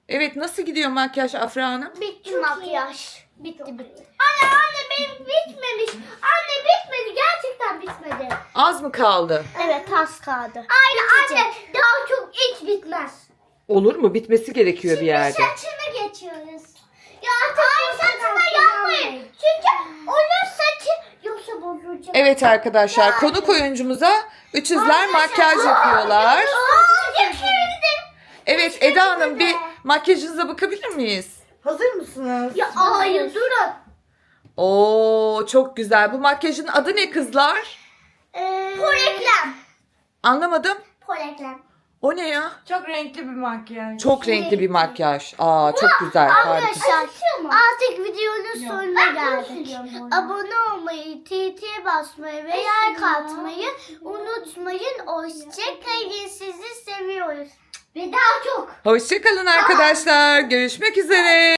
Evet, nasıl gidiyor makyaj Afra Hanım? Bitti makyaj. Bitti. Anne benim bitmemiş. Anne bitmedi. Gerçekten bitmedi. Az mı kaldı? Evet az kaldı. Anne daha çok hiç bitmez. Olur mu? Bitmesi gerekiyor bir yerde. Saçına geçiyoruz. Ya hayır saçına yapmayın. Çünkü onun saçı yoksa bozulacak. Evet arkadaşlar, konuk oyuncumuza üçüzler makyaj yapıyorlar. Evet Eda Hanım, bir makyajınıza bakabilir miyiz? Hazır mısınız? Ya hayır durun. Oo, çok güzel. Bu makyajın adı ne kızlar? Poreklem. Anlamadım. Poreklem. O ne ya? Çok renkli bir makyaj. Çok renkli bir makyaj. Aa, çok güzel. Harika. Arkadaşlar artık videonun sonuna geldik. Abone olmayı, TT basmayı ve like atmayı unutmayın. Hoşçakalın. Sizi seviyoruz. Ve daha çok. Hoşçakalın arkadaşlar. Görüşmek üzere.